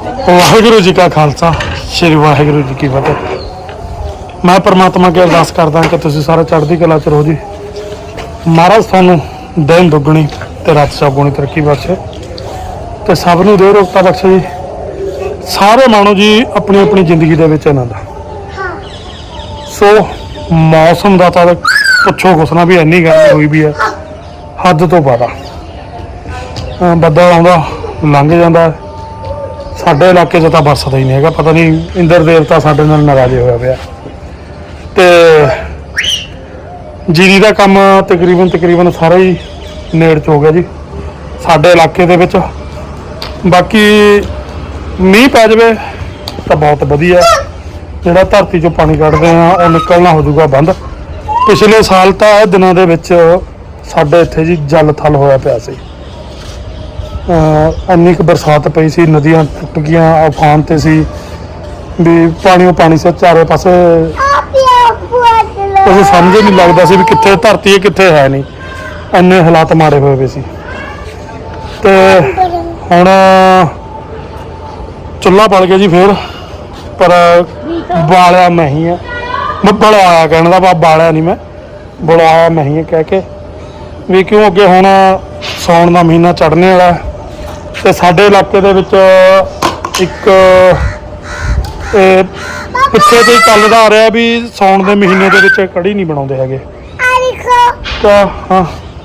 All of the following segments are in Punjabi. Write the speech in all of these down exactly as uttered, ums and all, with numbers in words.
ਵਾਹਿਗੁਰੂ ਜੀ ਕਾ ਖਾਲਸਾ ਸ੍ਰੀ ਵਾਹਿਗੁਰੂ ਜੀ ਕੀ ਫਤਿਹ। ਮੈਂ परमात्मा की अरदास करदा कि तुसीं सारे चढ़दी कला च रहो जी। महाराज थानू दिन दुगनी ते रात चौगुणी तरक्की बख्शे ते सब नूं दे रोगता बख्शे जी। सारे मानो जी अपनी अपनी जिंदगी दे विच आनंद। सो मौसम दा तां पुछो कुछ ना, भी इन्नी गर्मी हुई भी है हद तो ज़्यादा। बदल आउंदा लंघ जांदा, साडे इलाके च तां बरसदा ही नहीं हैगा। पता नहीं इंद्र देवता साडे नाल नाराज़ होया पिया। ते जीरी का काम तकरीबन तकरीबन सारा ही नेड़ च हो गया जी साडे इलाके दे विच। बाकी मींह पै जावे तो बहुत वधिया, जिहड़ा धरती चों पानी कढ़दे हैं वो निकलना हो जाऊगा बंद। पिछले साल तो इह दिनां दे विच साडे इत्थे जी जल थल होया पिया सी। इन्नी क बरसात पई सी, नदियां टुट गईयां, अफान ते सी भी पानी पानी से चारे पासे कुछ समझ नहीं लगता सी भी कित्थे धरती है कित्थे है नहीं। इन्ने हालात माड़े हुए पे सी। ते हुण चुल्हा बल गया जी फिर, पर बालिया मैं ही है। मैं बलवाया कहने का भाव, बालिया नहीं मैं बलवाया मैं ही है कह के भी क्यों अगे हुण सौण का महीना चढ़ने वाला ते साडे इलाके दे विच एक पिछे तो ही चलदा आ रहा भी सौण के महीने के विच कड़ी नहीं बनाते हैगे। हाँ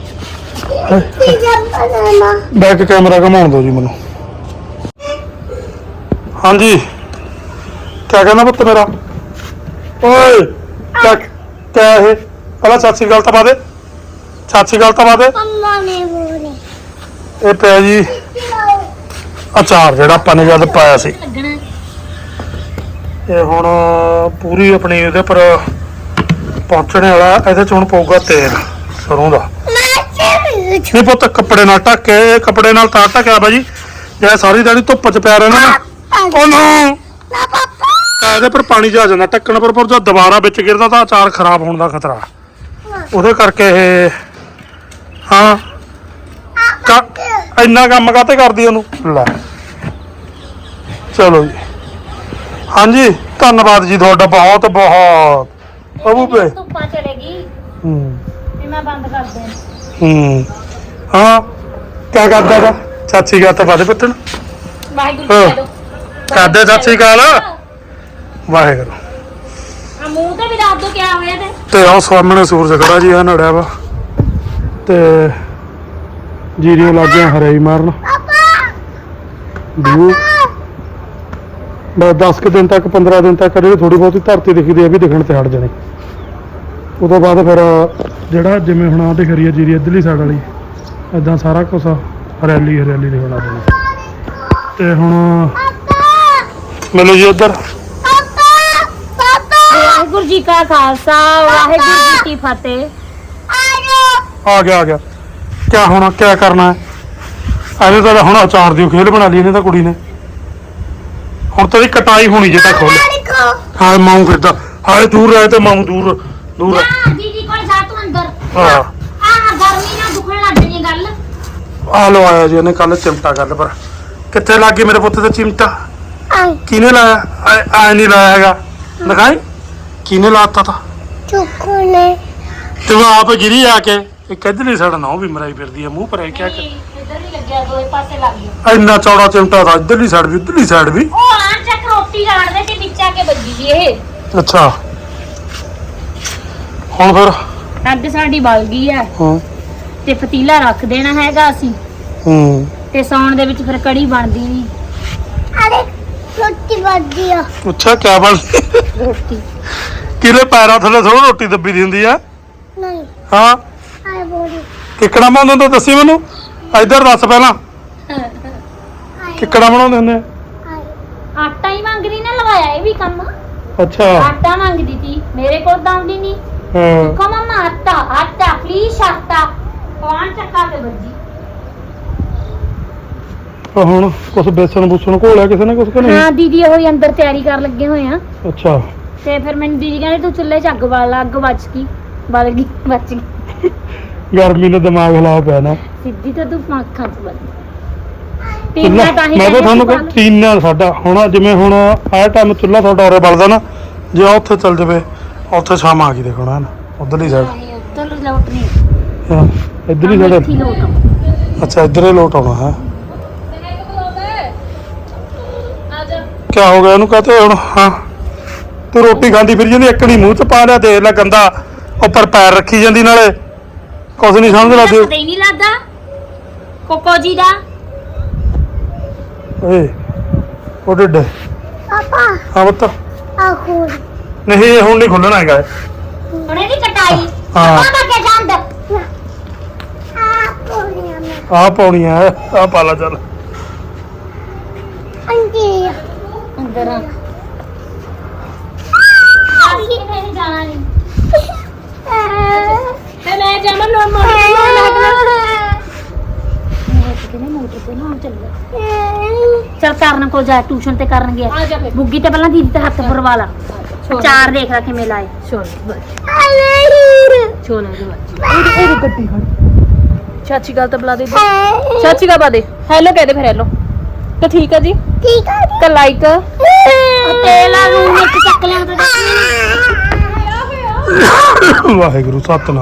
बैक कैमरा घुमाउण दो जी मैनू। हाँ जी क्या कहना पुत्त मेरा? ओए क्या क्या है? पहला सत श्री अकाल तो पा दे, सत श्री अकाल तो पा दे। ये पिया जी अचार जिहड़ा आपां ने जद पाया सी, ये हुण पूरी अपनी इहदे पर पहुंचने वाला। इहदे च हुण पऊगा तेल सरों दा। नहीं पुत्त कपड़े नाल ढक के, कपड़े नाल तार ढकिया भाजी जे सारी दिहाड़ी धुप्प च पिया रहना ना इहदे पर पानी जा जांदा ढक्कण पर, पर जब दोबारा विच गिरदा तां अचार खराब होने का खतरा उहदे करके। हाँ इन्ना कम काते करदी ओनू लै। चलो जी हाँ जी धन्यवाद जी थोड़ा बहुत बहुत। अबू पे धुप्पा चलेगी मैं बंद कर दे। हम्म हाँ क्या करदा था? सत श्री अकाल तो पा दे पुत्तन, वाहिगुरू कर दे सत श्री अकाल वाहिगुरू। मुंह ते भी दस दो क्या होया ते ते आओ सामने सूरज खड़ा जी है नड़िया वा ते जीरियां लागियां हरियाई मारन। दू बस दस के दिन तक पंद्रह दिन तक थोड़ी बहुत धरती दिखती है भी दिखण ते हट जानी। उदों बाद फिर जिहड़ा जिवें हुण आ दिख रही है जीरी इधरली साइड वाली इदां सारा कुछ हरियाली हरियाली दिखण लग जानी। ते हुण मिलो जी उधर। वाहिगुरू जी का खालसा वाहिगुरू जी की फतेह। आ गया आ गया। क्या होना क्या करना है? अरे तो हुण अचार दी खेल बना ली इन्हें तो कुड़ी ने। हुण तेरी कटाई होनी जे तक खोल। हाँ माऊ फिरदा हाय दूर रहे तो माऊ दूर दूर हां दीदी कोल जा तू अंदर। हां आ गर्मी ना दुखण लग जणी गल। आ लो आया जी ने कल चिमटा गल पर कित्थे लग गई मेरे पुत्त ते चिमटा? किने लाया? आ नहीं लाया हैगा दिखाई किने लाता था? चुक्कू ने तू आप गिरी आके एक इधरली साइड ना भी मराई फिरदी है मुंह पर है क्या कर? इधर नहीं लग गया दो पासे लग गया। इन्ना चौड़ा चिमटा था इधरली साइड भी उधरली साइड भी। ओ आन चक रोटी गाड़दे ते नीचे आके बजी जी ਇਹ। अच्छा ਹੁਣ ਫਿਰ ਅੱਗ ਸਾਡੀ ਬਲ ਗਈ ਹੈ ਹਾਂ ਤੇ ਪਤੀਲਾ ਰੱਖ ਦੇਣਾ ਹੈਗਾ ਅਸੀਂ। ਹੂੰ ਤੇ ਸੌਣ ਦੇ ਵਿੱਚ ਫਿਰ ਕੜੀ ਬਣਦੀ ਨਹੀਂ। ਅਰੇ ਰੋਟੀ ਬਣਦੀ ਆ। ਅੱਛਾ ਕੀ ਬਣ ਰੋਟੀ ਕਿਹਦੇ ਪੈਰਾਂ ਥੱਲੇ ਥੋੜਾ ਰੋਟੀ ਦੱਬੀ ਦੀ ਹੁੰਦੀ ਆ? ਨਹੀਂ ਹਾਂ ਆਏ ਬੋਲੀ ਕਿੱਕੜਾ ਬਣਾਉਂਦੇ ਹੁੰਦੇ ਦੱਸੀ ਮੈਨੂੰ ਇੱਧਰ ਦੱਸ ਪਹਿਲਾਂ ਕਿੱਕੜਾ ਬਣਾਉਂਦੇ ਹੁੰਦੇ? ਆਟਾ ਹੀ ਮੰਗਦੀ ਨਾ ਲਵਾਇਆ ਇਹ ਵੀ ਕੰਮ। ਅੱਛਾ ਆਟਾ ਮੰਗਦੀ ਸੀ ਮੇਰੇ ਕੋਲ ਦੰਦੀ ਨਹੀਂ। ਹਾਂ ਕੋ ਮਮਾ ਆਟਾ ਆਟਾ ਪਲੀਜ਼ ਆਟਾ ਕੌਣ ਚੱਕਾ ਤੇ ਵੱਜੀ। ਹੁਣ ਕੁਛ ਬੇਸਣ ਬੂਸਣ ਘੋਲਿਆ ਕਿਸੇ ਨੇ ਕੁਛ ਕਿ ਨਹੀਂ? ਹਾਂ ਦੀਦੀ ਉਹ ਹੀ ਅੰਦਰ ਤਿਆਰੀ ਕਰਨ ਲੱਗੇ ਹੋਏ ਆ। ਅੱਛਾ ਤੇ ਫਿਰ ਮੈਨੂੰ ਦੀਦੀ ਕਹਿੰਦੇ ਤੂੰ ਚੁੱਲ੍ਹੇ 'ਚ ਅੱਗ ਬਾਲ ਲਾ। ਅੱਗ ਬਚ ਗਈ ਬਲ ਗਈ ਬਚ ਗਈ। ਗਰਮੀ ਨੇ ਦਿਮਾਗ ਹਿਲਾਇਆ ਪਿਆ ਨਾ ਸਿੱਧੀ ਤਾਂ ਤੂੰ ਅੱਖਾਂ 'ਚ ਵੱਜ। ਤੀਨਾ ਚੁੱਲ੍ਹਾ ਤਾਂ ਹੀ ਮੈਂ ਤਾਂ ਕਹਿੰਦੇ ਤੁਹਾਨੂੰ ਸੀ ਕਿ ਤੀਨਾ ਸਾਡਾ ਹੁਣ ਜਿਵੇਂ ਹੁਣ ਆਹ ਟਾਈਮ ਚੁੱਲ੍ਹਾ ਤੁਹਾਡਾ ਉਰੇ ਬਲਦਾ ਨਾ ਜੇ ਆਹ ਉੱਥੇ ਚੱਲ ਜਾਵੇ ਉੱਥੇ ਸ਼ਾਮ ਆ ਗਈ ਦੇਖੋ ਨਾ ਉਧਰਲੀ ਸਾਈਡ ਨਹੀਂ ਉੱਧਰ ਲੋਟ ਨਹੀਂ ਹਾਂ ਇੱਧਰਲੀ ਇੱਥੇ ਸਾਈਡ ਹੀ ਲੋਟ ਆ। ਅੱਛਾ ਇੱਧਰ ਹੀ ਲੋਟ ਆਉਣਾ ਹੈ ਕੀ ਹੋ ਗਿਆ ਇਹਨੂੰ ਕਹਤੇ ਹੁਣ ਹਾਂ ਤੂੰ ਰੋਟੀ ਖਾਂਦੀ ਫਿਰ ਜਾਂਦੀ ਇੱਕ ਨਹੀਂ ਮੂੰਹ ਚ ਪਾ ਲਿਆ ਦੇਖ ਲੈ ਗੰਦਾ ਉੱਪਰ ਪੈਰ ਰੱਖੀ ਜਾਂਦੀ ਨਾਲੇ ਕੁਛ ਨਹੀਂ ਸਮਝ ਲੱਗਦੀ ਪਤਾ ਹੀ ਨਹੀਂ ਲੱਗਦਾ ਕੋਕੋ ਜੀ ਦਾ ਓਏ ਉਹ ਡੱਡੇ ਪਾਪਾ ਹਾਂ ਬੱਤ ਆ ਖੋਲ ਨਹੀਂ ਇਹ ਹੁਣ ਨਹੀਂ ਖੁੱਲਣਾ ਹੈਗਾ ਉਹਨੇ ਦੀ ਕਟਾਈ ਹਾਂ। ਪਾਪਾ ਕੇ ਜਾਂਦ ਆ ਪੋਲੀਆਂ ਮੈਂ ਆਹ ਪਾਉਣੀ ਆ ਆਹ ਪਾ ਲਾ ਚੱਲ ਅੰਜੀ ਅੰਦਰ ਆ ਅਸੀਂ ਨਹੀਂ ਜਾਣਾ ਨਹੀਂ ਤੇ ਮੈਂ ਜਾਵਾਂ ਨੋ ਮੋਟਰ ਮੋਟਰ ਤੇ ਨਾ ਚੱਲ ਚੱਲ ਕਰਨ ਕੋ ਜਾ ਟਿਊਸ਼ਨ ਤੇ ਕਰਨ ਗਿਆ ਬੁੱਗੀ ਤੇ ਪਹਿਲਾਂ ਦੀਦੀ ਤੇ ਹੱਥ ਪਰਵਾ ਲਾ ਚਾਰ ਦੇਖ ਲਾ ਕਿਵੇਂ ਲਾਏ ਛੋੜ ਛੋੜ ਇਹਦੀ ਇਹਦੀ ਗੱਡੀ ਖੜ ਚਾਚੀ ਗੱਲ ਤਾਂ ਬੁਲਾ ਦੇ ਚਾਚੀ ਕਾ ਬਾਦੇ ਹੈਲੋ ਕਹਿ ਦੇ ਫਿਰ ਹੈਲੋ ਤਾਂ ਠੀਕ ਆ ਜੀ ਠੀਕ ਆ ਜੀ ਤਾਂ ਲਾਈਕ ਤੇਲ ਆ ਰੂਮ ਵਿੱਚ ਚੱਕ ਲਿਆ ਤਾਂ ਵਾਹਿਗੁਰੂ ਸਤਨਾਮ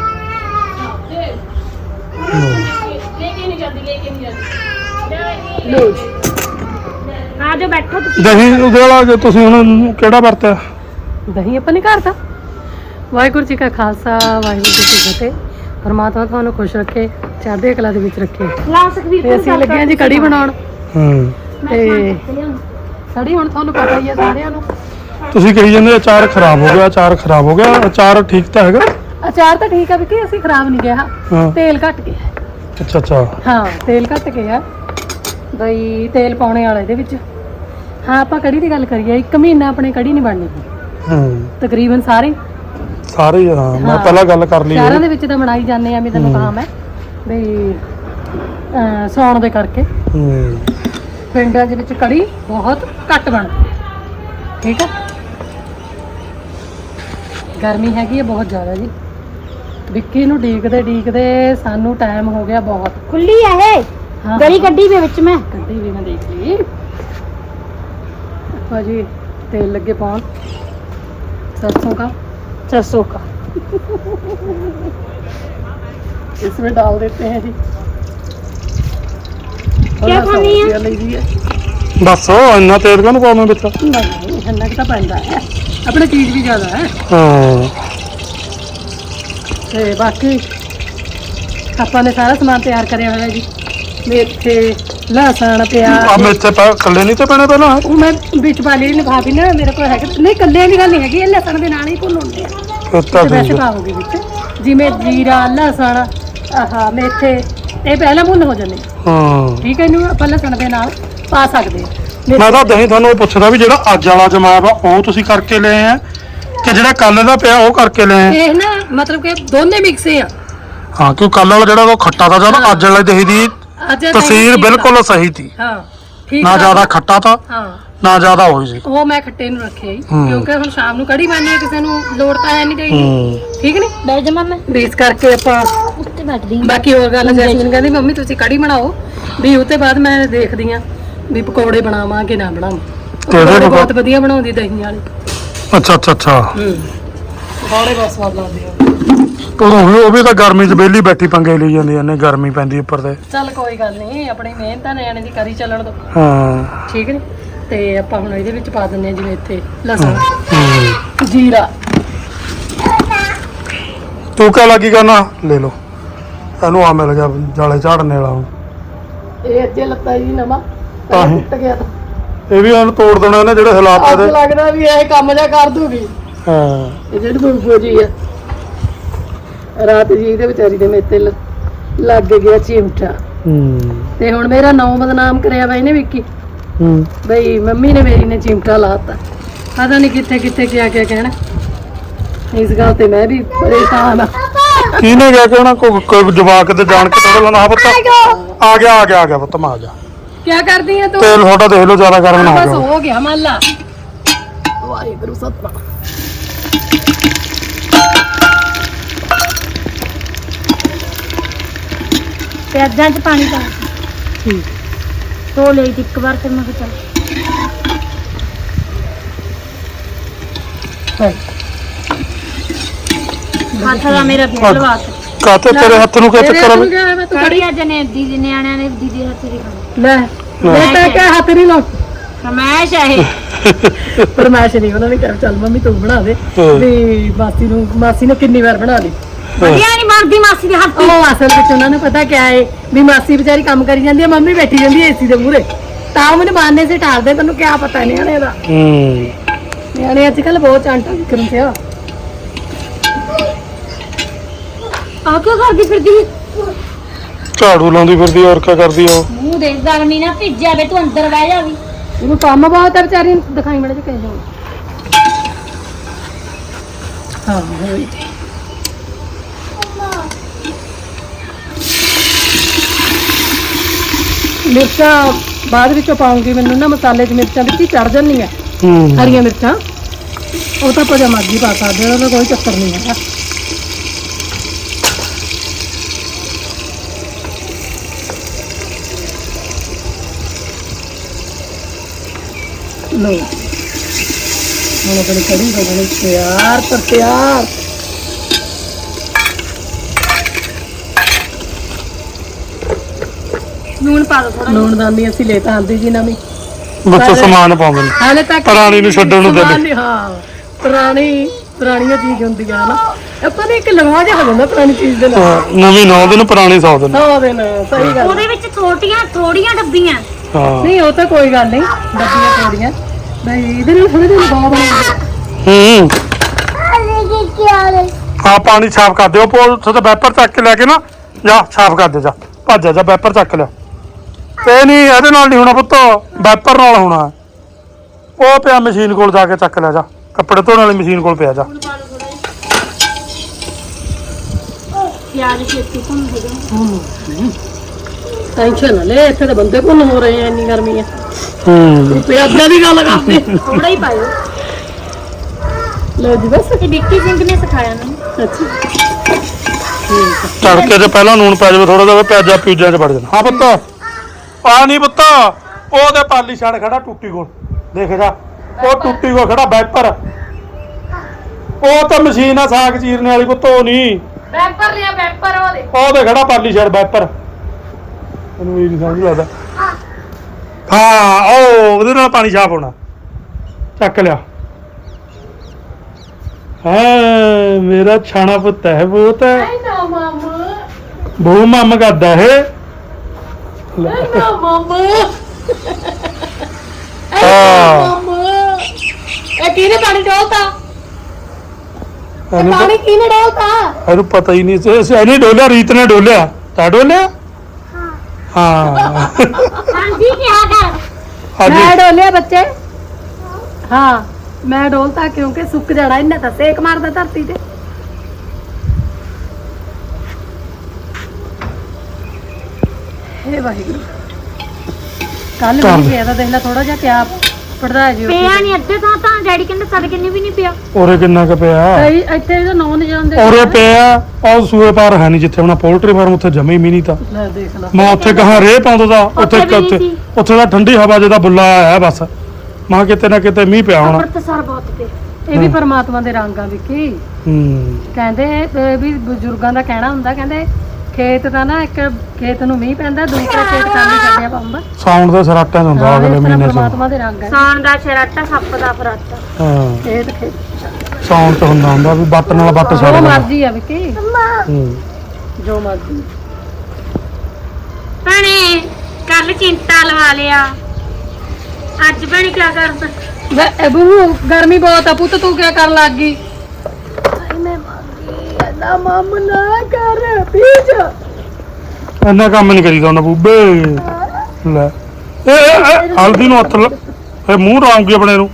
ਲੋ ਜੀ ਆ ਜਾ ਬੈਠੋ ਤੁਸੀਂ ਦਹੀਂ ਉਹਦੇ ਵਾਲਾ ਜੇ ਤੁਸੀਂ ਹੁਣ ਕਿਹੜਾ ਵਰਤਿਆ ਦਹੀਂ ਆਪਾਂ ਨੇ ਘਰ ਦਾ ਵਾਹਿਗੁਰੂ ਜੀ ਕਾ ਖਾਲਸਾ ਵਾਹਿਗੁਰੂ ਜੀ ਕੀ ਫਤਿਹ ਪਰਮਾਤਮਾ ਤੁਹਾਨੂੰ ਖੁਸ਼ ਰੱਖੇ ਚੜ੍ਹਦੀ ਕਲਾ ਦੇ ਵਿੱਚ ਰੱਖੇ ਲਾ ਸਕਵੀਰ ਤੇ ਅਸੀਂ ਲੱਗੇ ਹਾਂ ਜੀ ਕੜੀ ਬਣਾਉਣ ਹੂੰ ਤੇ ਕੜੀ ਹੁਣ ਤੁਹਾਨੂੰ ਪਤਾ ਹੀ ਹੈ ਸਾਰਿਆਂ ਨੂੰ ਤੁਸੀਂ ਕਹੀ ਜਾਂਦੇ ਅਚਾਰ ਖਰਾਬ ਹੋ ਗਿਆ ਅਚਾਰ ਖਰਾਬ ਹੋ ਗਿਆ ਅਚਾਰ ਠੀਕ ਤਾਂ ਹੈਗਾ ਅਚਾਰ ਤਾਂ ਠੀਕ ਆ ਵੀ ਕਿ ਅਸੀਂ ਖਰਾਬ ਨਹੀਂ ਗਿਆ ਹਾਂ ਤੇਲ ਘੱਟ ਗਿਆ ਅੱਛਾ ਅੱਛਾ ਹਾਂ ਤੇਲ ਘੱਟ ਗਿਆ ਬਈ ਤੇਲ ਪਾਉਣੇ ਵਾਲਾ ਇਹਦੇ ਵਿੱਚ ਹਾਂ ਆਪਾਂ ਕੜੀ ਦੀ ਗੱਲ ਕਰੀਏ ਇੱਕ ਮਹੀਨਾ ਆਪਣੇ ਕੜੀ ਨਹੀਂ ਬਣਨੀ ਹੂੰ ਤਕਰੀਬਨ ਸਾਰੇ ਸਾਰੇ ਹੀ, ਹਾਂ ਮੈਂ ਹਾਂ। ਪਹਿਲਾਂ ਗੱਲ ਕਰ ਲਈ ਸ਼ਹਿਰਾਂ ਇਹ। ਦੇ ਵਿੱਚ ਤਾਂ ਬਣਾਈ ਜਾਂਦੇ ਆ ਵੀ ਤੈਨੂੰ ਹੂੰ। ਕਾਮ ਹੈ ਬਈ ਅਹ ਸੌਣ ਦੇ ਕਰਕੇ ਹੂੰ ਪਿੰਡਾਂ ਦੇ ਵਿੱਚ ਕੜੀ ਬਹੁਤ ਘੱਟ ਬਣਦੀ ਹੈ ਠੀਕ ਹੈ ਗਰਮੀ ਹੈਗੀ ਹੈ ਬਹੁਤ ਜ਼ਿਆਦਾ ਜੀ ਵਿੱਕੀ ਨੂੰ ਡੀਕਦੇ ਡੀਕਦੇ ਸਾਨੂੰ ਟਾਈਮ ਹੋ ਗਿਆ ਬਹੁਤ ਖੁੱਲੀ ਆ ਇਹ ਹਾਂ ਗਲੀ ਗੱਡੀ ਦੇ ਵਿੱਚ ਮੈਂ ਗੱਡੀ ਵੀ ਮੈਂ ਦੇਖ ਲਈ ਭਾਜੀ तेल लगे पाउन सरसों का सरसों का इसमें डाल देते हैं जी क्या खानी है? है बस इन्ना तेल क्यों पाਉਣਾ ਵਿੱਚ नहीं ठंडा का पैंदा है अपने चीज भी ज्यादा है ਹਾਂ ਤੇ ਬਾਕੀ ਆਪਾਂ ਨੇ ਸਾਰਾ ਸਮਾਨ ਤਿਆਰ ਕਰਿਆ ਹੋਇਆ ਜੀ ਮੇਥੇ ਲਸਣ ਆ ਪਿਆਜ਼ ਮੇਥੇ ਪਾ ਕੱਲੇ ਨਹੀਂ ਤੇ ਪੈਣੇ ਪਹਿਲਾਂ ਉਹ ਮੈਂ ਵਿੱਚ ਪਾ ਲਈ ਲਿਫਾਫੀ ਨਾ ਮੇਰੇ ਕੋਲ ਹੈਗਾ ਨਹੀਂ ਕੱਲੇ ਦੀ ਗੱਲ ਨਹੀਂ ਹੈਗੀ ਇਹ ਲਸਣ ਦੇ ਨਾਲ ਹੀ ਭੁੰਨਉਂਦੇ ਆ ਫਿਰ ਤਾਂ ਤੇ ਵੈਸੇ ਠੀਕ ਆ। ਪਾਓਗੇ ਵਿੱਚ ਜਿਵੇਂ ਜੀਰਾ ਲਸਣ ਆਹ ਮੇਥੇ ਇਹ ਪਹਿਲਾਂ ਭੁੰਨ ਹੋ ਜਾਂਦੇ ਆ। ਹਾਂ ਠੀਕ ਹੈ ਇਹਨੂੰ ਆਪਾਂ ਲਸਣ ਦੇ ਨਾਲ ਪਾ ਸਕਦੇ ਆ ਮੈਂ ਤਾਂ ਦਹੀਂ ਤੁਹਾਨੂੰ ਇਹ ਪੁੱਛਦਾ ਵੀ ਜਿਹੜਾ ਅੱਜ ਵਾਲਾ ਜਮਾਇਆ ਵਾ ਉਹ ਤੁਸੀਂ ਕਰਕੇ ਲਏ ਆ ਕਿ ਜਿਹੜਾ ਕੱਲ ਦਾ ਪਿਆ ਉਹ ਕਰਕੇ ਲਏ ਆ ਇਹ ਨਾ ਮਤਲਬ ਕਿ ਦੋਨੇ ਮਿਕਸ ਆ ਹਾਂ ਕਿਉਂ ਕੱਲ ਵਾਲਾ ਜਿਹੜਾ ਉਹ ਖੱਟਾ ਤਾਂ ਜਦ ਅੱਜ ਵਾਲੇ ਦਹੀਂ ਦੀ ਅੱਜ ਇਹ ਤਸੀਰ ਠੀਕ ਬਿਲਕੁਲ ਸਹੀ ਸੀ ਹਾਂ ਠੀਕ ਨਾ ਆ। ਜ਼ਿਆਦਾ ਖੱਟਾ ਤਾਂ ਹਾਂ ਨਾ ਜ਼ਿਆਦਾ ਹੋਈ ਸੀ ਉਹ ਮੈਂ ਖੱਟੇ ਨੂੰ ਰੱਖਿਆ ਜੀ ਹੂੰ। ਕਿਉਂਕਿ ਹੁਣ ਸ਼ਾਮ ਨੂੰ ਕੜੀ ਬਣਨੀ ਹੈ ਕਿਸੇ ਨੂੰ ਲੋੜ ਤਾਂ ਹੈ ਨਹੀਂ ਚਾਹੀਦੀ ਹੂੰ ਠੀਕ ਨਹੀਂ ਬੈਠ ਜਾ ਮੈਂ ਬੇਸ ਕਰਕੇ ਆਪਾਂ ਉੱਤੇ ਬੈਠਦੀ ਬਾਕੀ ਹੋਰ ਗੱਲ ਜੈਸਮੀਨ ਕਹਿੰਦੀ ਮੰਮੀ ਤੁਸੀਂ ਕੜੀ ਬਣਾਓ ਵੀ ਉਹ ਤੋਂ ਬਾਅਦ ਮੈਂ ਦੇਖਦੀ ਆ ਵੀ ਪਕੌੜੇ ਬਣਾਵਾਂ ਕਿ ਨਾ ਬਣਾਵਾਂ ਕਿਹੜੇ ਪਕੌੜੇ ਪਕੌੜੇ? ਬਹੁਤ ਵਧੀਆ ਬਣਾਉਂਦੀ ਦਹੀਂ ਵਾਲੇ ਅੱਛਾ ਅੱਛਾ ਅੱਛਾ ਹੂੰ ਪਕੌੜੇ ਬਹੁਤ ਸਵਾਦ ਲੱਗਦੇ ਆ ਉਹ ਵੀ ਉਹ ਵੀ ਤਾਂ ਗਰਮੀ 'ਚ ਵਿਹਲੀ ਬੈਠੀ ਪੰਗੇ ਲਈ ਜਾਂਦੀ ਐ ਨੇ ਗਰਮੀ ਪੈਂਦੀ ਉੱਪਰ ਤੇ ਚੱਲ ਕੋਈ ਗੱਲ ਨਹੀਂ ਆਪਣੀ ਮਿਹਨਤ ਆ ਨਿਆਣੇ ਦੀ ਕਰੀ ਚੱਲਣ ਦੋ ਹਾਂ ਠੀਕ ਨੇ ਤੇ ਆਪਾਂ ਹੁਣ ਇਹਦੇ ਵਿੱਚ ਪਾ ਦਿੰਦੇ ਆ ਜਿਵੇਂ ਇੱਥੇ ਲਸਣ ਹੂੰ। ਜੀਰਾ ਤੂੰ ਕਿਆ ਲੱਗੀ ਕਰਨਾ ਲੈ ਲਓ ਇਹਨੂੰ ਆ ਮਿਲ ਗਿਆ ਜਾਲੇ ਝਾੜਨੇ ਵਾਲਾ ਹੁਣ ਇਹ ਅੱਜੇ ਲੱਤਾ ਜੀ ਨਵਾਂ ਤਾਂ ਹੀ। ਟੁੱਟ ਗਿਆ ਤਾਂ ਇਹ ਵੀ ਇਹਨੂੰ ਤੋੜ ਦੇਣਾ ਇਹਨੇ ਜਿਹੜੇ ਹਾਲਾਤ ਅੱਜ ਇਹਦੇ ਲੱਗਦਾ ਵੀ ਇਹ ਕੰਮ ਜਾ ਕਰ ਦੂਗੀ ਹਾਂ ਇਹ ਜਿਹੜੀ ਬੁਲਬੁਲ ਜੀ ਆ ਰਾਤ ਜੀ ਇਹਦੇ ਵਿਚਾਰੀ ਦੇ ਮੇਤੇ ਲ- ਲੱਗ ਗਿਆ ਚਿਮਟਾ ਹੂੰ ਤੇ ਹੁਣ ਮੇਰਾ ਨਾਂ ਬਦਨਾਮ ਕਰਿਆ ਵਾ ਇਹਨੇ ਵਿੱਕੀ ਹੂੰ ਬਈ ਮੰਮੀ ਨੇ ਮੇਰੀ ਨੇ ਚਿਮਟਾ ਲਾਤਾ ਪਤਾ ਨਹੀਂ ਕਿੱਥੇ ਕਿੱਥੇ ਕਿਆ ਕਿਆ ਕਹਿਣਾ ਇਸ ਗੱਲ ਤੇ ਮੈਂ ਵੀ ਪਰੇਸ਼ਾਨ ਆ ਕਿਹਨੇ ਗਿਆ ਕਿ ਉਹਨਾਂ ਕੋ ਕੋਈ ਜਵਾਕ ਤੇ ਜਾਣ ਕੇ ਤੋੜ ਲੈਣਾ ਹਾਂ ਪੁੱਤ ਆ ਗਿਆ ਆ ਗਿਆ ਆ ਗਿਆ ਪੁੱਤ ਮੈਂ ਆ ਗਿਆ ਕਿਆ ਕਰਦੀ ਆ ਤੂੰ ਤੇਲ ਤੁਹਾਡਾ ਦੇਖ ਲਓ ਜ਼ਿਆਦਾ ਗਰਮ ਨਾ ਹੋ ਬਸ ਜਾਵੇ ਹੋ ਗਿਆ ਮੰਨ ਲਾ ਵਾਹਿਗੁਰੂ ਸਤਿਨਾਮ ਪਿਆਜ਼ਾਂ 'ਚ ਪਾਣੀ ਪਾ ਠੀਕ ਧੋ ਲਈ ਤੀ ਇੱਕ ਵਾਰ ਫਿਰ ਮੈਂ ਕਿਹਾ ਚੱਲ ਹੱਥ ਦਾ ਮੇਰਾ ਵੀ ਲਵਾ ਕੇ ਕਾਤੇ ਤੇਰੇ ਹੱਥ ਨੂੰ ਕਿਆ ਚੱਕਰ ਆ ਬਈ? ਮੈਂ ਤੂੰ ਕੜੀ ਅੱਜ ਨੇ ਦੀਦੀ ਨਿਆਣਿਆਂ ਨੇ ਦੀਦੀ ਹੱਥ ਦੀ ਖਾਣੀ ਲੈ ਮੈਂ ਤਾਂ ਕਿਹਾ ਹੱਥ ਨਹੀਂ ਲਾ ਫਰਮਾਇਸ਼ ਹੈ ਇਹ ਫਰਮਾਇਸ਼ ਨਹੀਂ ਉਹਨਾਂ ਨੇ ਕਿਹਾ ਚੱਲ ਮੰਮੀ ਤੂੰ ਬਣਾ ਦੇ ਹਾਂ। ਵੀ ਮਾਸੀ ਨੂੰ ਮਾਸੀ ਨੇ ਕਿੰਨੀ ਵਾਰ ਬਣਾ ਲਈ ਵਧੀਆ ਨਹੀਂ ਬਣਦੀ ਮਾਸੀ ਦੇ ਹੱਥ ਦੀ ਉਹ ਅਸਲ ਵਿੱਚ ਉਹਨਾਂ ਨੂੰ ਪਤਾ ਕਿਆ ਹੈ ਵੀ ਮਾਸੀ ਵਿਚਾਰੀ ਕੰਮ ਕਰੀ ਜਾਂਦੀ ਹੈ ਮੰਮੀ ਬੈਠੀ ਜਾਂਦੀ ਹੈ ਏਸੀ ਦੇ ਮੂਹਰੇ ਤਾਂ ਮੈਨੂੰ ਬਾਨੇ ਸੇ ਟਾਲਦੇ ਤੈਨੂੰ ਕਿਆ ਪਤਾ ਨਿਆਣੇ ਦਾ ਹੂੰ ਨਿਆਣੇ ਅੱਜ ਕੱਲ ਬਹੁਤ ਚਾਂਟਾ ਵਿਕਰਮ ਤੇ ਆ ਆ ਕਿਉਂ ਕਰਦੀ ਫਿਰਦੀ ਝਾੜੂ ਲਾਉਂਦੀ ਫਿਰਦੀ ਔਰ ਕਿਆ ਕਰਦੀ ਆ ਉਹ? ਮੂੰਹ ਦੇ ਗਰਮੀ ਨਾ ਭਿੱਜ ਜਾਵੇ ਤੂੰ ਅੰਦਰ ਬਹਿ ਜਾ ਵੀ ਇਹਨੂੰ ਕੰਮ ਬਹੁਤ ਹੈ ਵਿਚਾਰੀ ਨੂੰ ਦਿਖਾਈ ਮੜੇ ਚ ਕਹਿ ਜਾਓ ਹਾਂ ਹੋਈ ਮਿਰਚਾਂ ਬਾਅਦ ਵਿੱਚੋਂ ਪਾਉਂਗੀ ਮੈਨੂੰ ਨਾ ਮਸਾਲੇ 'ਚ ਮਿਰਚਾਂ ਵਿੱਚ ਹੀ ਚੜ ਜਾਂਦੀਆਂ ਹੂੰ ਹਰੀਆਂ ਮਿਰਚਾਂ ਉਹ ਤਾਂ ਆਪਾਂ ਮਰਜ਼ੀ ਪਾ ਸਕਦੇ ਹਾਂ ਉਹਦਾ ਕੋਈ ਚੱਕਰ ਨਹੀਂ ਹੈਗਾ ਲੋ ਹੁਣ ਆਪਣੀ ਕੜੀ ਬਣਨੀ ਤਿਆਰ ਪਰ ਤਿਆਰ ਲੂਣ ਪਾ ਦੋ ਥੋੜਾ ਲੂਣ ਦਾਨੀ ਅਸੀਂ ਲੈ ਤਾਂ ਆਂਦੀ ਜੀ ਨਵੀਂ ਬੱਚੇ ਸਮਾਨ ਪਾਉਂਦੇ ਨੇ ਹਾਲੇ ਤੱਕ ਪੁਰਾਣੀ ਨੂੰ ਛੱਡਣ ਨੂੰ ਦਿੰਦੇ। ਸਮਾਨ ਨਹੀਂ, ਹਾਂ ਪੁਰਾਣੀ ਪੁਰਾਣੀਆਂ ਚੀਜ਼ ਹੁੰਦੀ ਆ ਨਾ ਆਪਾਂ ਨੇ ਇੱਕ ਲਗਵਾ ਜਿਹਾ ਹੋ ਜਾਂਦਾ ਪੁਰਾਣੀ ਚੀਜ਼ ਦੇ ਨਾਲ ਹਾਂ, ਨਵੀਂ ਨੌ ਦਿਨ ਪੁਰਾਣੀ ਸੌ ਦਿਨ ਸੌ ਦਿਨ ਸਹੀ ਗੱਲ ਉਹਦੇ ਵਿੱਚ ਛੋਟੀਆਂ ਥੋੜੀਆਂ ਡੱਬੀਆਂ ਹਾਂ ਨਹੀਂ ਉਹ ਤਾਂ ਕੋਈ ਗੱਲ ਨਹੀਂ ਡੱਬੀਆਂ ਥੋੜੀਆਂ ਬਈ ਇਹਦੇ ਨਾਲ ਥੋੜੇ ਦਿਨ ਬਾਅਦ ਹੂੰ ਹਾਂ ਪਾਣੀ ਸਾਫ਼ ਕਰ ਦਿਓ ਪੋਲ ਉੱਥੇ ਤੇ ਵੈਪਰ ਚੱਕ ਕੇ ਲੈ ਕੇ ਨਾ ਜਾ ਸਾਫ਼ ਕਰ ਦੇ ਜਾ ਭੱਜ ਜਾ, ਜਾ ਵੈਪਰ ਚੱਕ ਲਿਆ ਤੇ ਨਹੀਂ ਇਹਦੇ ਨਾਲ ਨਹੀਂ ਹੋਣਾ ਪੁੱਤ ਵੈਪਰ ਨਾਲ ਹੋਣਾ ਉਹ ਪਿਆ ਮਸ਼ੀਨ ਕੋਲ ਜਾ ਕੇ ਚੱਕ ਲਿਆ ਜਾ ਕੱਪੜੇ ਧੋਣ ਵਾਲੀ ਮਸ਼ੀਨ ਕੋਲ ਪਿਆ ਜਾ ਪਿਆਜ਼ ਛੇਤੀ ਭੁੰਨ ਹੋ ਜਾਣ ਟੈਨਸ਼ਨ ਨਾ ਲੈ ਇੱਥੇ ਤਾਂ ਬੰਦੇ ਭੁੰਨ ਹੋ ਰਹੇ ਆ ਇੰਨੀ ਗਰਮੀ ਆ ਹੂੰ ਤੂੰ ਪਿਆਜ਼ਾਂ ਦੀ ਗੱਲ ਕਰਦੇ ਥੋੜਾ ਹੀ ਪਾਇਓ ਲੋ ਜੀ ਬਸ ਇਹ ਵਿੱਕੀ ਸਿੰਘ ਨੇ ਸਿਖਾਇਆ ਮੈਨੂੰ ਅੱਛਾ ਤੜਕੇ 'ਚ ਪਹਿਲਾਂ ਨੂਣ ਪੈ ਜਾਵੇ ਥੋੜਾ ਜਿਹਾ ਪਿਆਜ਼ਾ ਪਿਊਜ਼ਾਂ 'ਚ ਵੜ ਜਾਣਾ ਹਾਂ ਪੁੱਤ ਆ ਨਹੀਂ ਪੁੱਤ ਉਹਦੇ ਪਾਲੀ ਛੜ ਖੜਾ ਟੁੱਟੀ ਕੋਲ ਦੇਖ ਜਾ ਉਹ ਟੁੱਟੀ ਕੋਲ ਖੜਾ ਵੈਪਰ ਉਹ ਤਾਂ ਮਸ਼ੀਨ ਆ ਸਾਗ ਚੀਰਨੇ ਵਾਲੀ ਪੁੱਤ ਉਹ ਨਹੀਂ ਵੈਪਰ ਲਿਆ ਵੈਪਰ ਉਹਦੇ ਉਹਦੇ ਖੜਾ ਪਾਲੀ ਛੜ ਵੈਪਰ ਉਹਨੂੰ ਇਹ ਨਹੀਂ ਸਮਝ ਲੱਗਦਾ ਹਾਂ ਉਹ ਉਹਦੇ ਨਾਲ ਪਾਣੀ ਸਾਫ਼ ਹੋਣਾ ਚੱਕ ਲਿਆ ਹਾਂ ਮੇਰਾ ਛਾਣਾ ਪੁੱਤ ਹੈ ਬਹੁਤ ਹੈ ਨਾ ਮਾਮਾ ਬਹੁ ਮੰਮ ਕਰਦਾ ਇਹ ਲੈ। ਨਾ ਮਾਮਾ ਹਾਂ ਮਾਮਾ ਇਹ ਕਿਹਨੇ ਪਾਣੀ ਡੋਲਤਾ ਇਹਨੂੰ ਪਾਣੀ ਕਿਹਨੇ ਡੋਲਤਾ ਇਹਨੂੰ ਪਤਾ ਹੀ ਨਹੀਂ ਸੀ ਇਹਨੇ ਡੋਲਿਆ ਰੀਤ ਨੇ ਡੋਲਿਆ ਤਾਂ ਡੋਲਿਆ ਹਾਂ ਹਾਂਜੀ ਕਿਹਾ ਕਰ ਅੱਜ ਮੈਂ ਡੋਲਿਆ ਬੱਚੇ ਹਾਂ ਮੈਂ ਡੋਲਤਾ ਕਿਉਂਕਿ ਸੁੱਕ ਜਾਣਾ ਇਹਨੇ ਤਾਂ ਸੇਕ ਮਾਰਦਾ ਧਰਤੀ ਤੇ ਹੇ ਵਾਹਿਗੁਰੂ ਕੱਲ ਚੱਲ। ਵੀ ਪਿਆ ਤਾਂ ਦੇਖ ਲੈ ਥੋੜਾ ਜਿਹਾ ਕਿਆ ਪੜਦਾ ਜੀ ਪਿਆ ਨਹੀਂ ਅੱਧੇ ਤੋਂ ਤਾਂ ਡੈਡੀ ਕਹਿੰਦੇ ਸਾਡੇ ਕਿੰਨੇ ਵੀ ਨਹੀਂ ਪਿਆ ਉਰੇ ਕਿੰਨਾ ਕੁ ਪਿਆ ਕਈ ਇੱਥੇ ਇਹਦਾ ਨੌਂ ਨਹੀਂ ਜਾਂਦੇ ਉਰੇ ਪਿਆ ਉਹ ਸੂਏ ਪਾਰ ਹੈ ਨਹੀਂ ਜਿੱਥੇ ਆਪਣਾ ਪੋਲਟਰੀ ਫਾਰਮ ਉੱਥੇ ਜਮੇ ਹੀ ਨਹੀਂ ਤਾਂ ਲੈ ਦੇਖ ਲੈ ਮੈਂ ਉੱਥੇ ਕਹਾਂ ਰੇਹ ਪਾਉਂਦਾ ਦਾ ਉੱਥੇ ਉੱਥੇ ਵੀ ਨਹੀਂ ਉੱਥੇ ਸੀ। ਉੱਥੇ ਦਾ ਠੰਡੀ ਹਵਾ ਜਿਹਦਾ ਬੁੱਲਾ ਆਇਆ ਹੈ ਬਸ ਮਾਂ ਕਿਤੇ ਨਾ ਕਿਤੇ ਮੀਂਹ ਪਿਆ ਹੋਣਾ ਅੰਮ੍ਰਿਤਸਰ ਬਹੁਤ ਪਿਆ ਇਹ ਵੀ ਪਰਮਾਤਮਾ ਦੇ ਰੰਗ ਆ ਵਿੱਕੀ ਹੂੰ ਕਹਿੰਦੇ ਇਹ ਵੀ ਬਜ਼ੁਰਗਾਂ ਦਾ ਕਹਿਣਾ ਹੁੰਦਾ ਕਹਿੰਦੇ ਖੇਤ ਦਾ ਨਾ ਇੱਕ ਖੇਤ ਨੂੰ ਮੀਂਹ ਪੈਂਦਾ ਦੂਸਰਾ ਖੇਤ ਖਾਲੀ ਛੱਡਿਆ ਪਾਉਂਦਾ ਸਾਉਣ ਦੇ ਸਰਾਟਾਂ 'ਚ ਹੁੰਦਾ ਅਗਲੇ ਮਹੀਨੇ 'ਚ ਪਰਮਾਤਮਾ ਦੇ ਰੰਗ ਆ ਸਾਣ ਦਾ ਸ਼ਰਾਟਾ ਸੱਪ ਦਾ ਫਰਾਟਾ ਹਾਂ ਖੇਤ ਖੇਤ ਸਾਉਣ 'ਚ ਹੁੰਦਾ ਹੁੰਦਾ ਵੀ ਬੱਟ ਨਾਲ ਬੱਟ ਜੋ ਛੱਡ ਦੇਣਾ ਮਰਜ਼ੀ ਆ ਵਿੱਕੀ ਹੂੰ ਜੋ ਮਰਜ਼ੀ ਭੈਣੇ ਕੱਲ ਚਿੰਤਾ ਲਵਾ ਲਿਆ ਅੱਜ ਭੈਣੇ ਕੀ ਕਰਦਾ ਵੇ ਇਹ ਬਹੂ ਗਰਮੀ ਬਹੁਤ ਆ ਪੁੱਤ ਤੂੰ ਕੀ ਕਰਨ ਲੱਗ ਗਈ ਨਾ ਮਮ ਨਾ ਕਰ ਪੀਜ ਇੰਨਾ ਕੰਮ ਨਹੀਂ ਕਰੀਦਾ ਉਹਨਾਂ ਬੂਬੇ ਲੈ ਇਹ ਇਹ- ਇਹ ਹਲਦੀ ਨੂੰ ਹੱਥ ਲ ਇਹ ਮੂੰਹ ਰਾਉਂਗੀ ਆਪਣੇ ਨੂੰ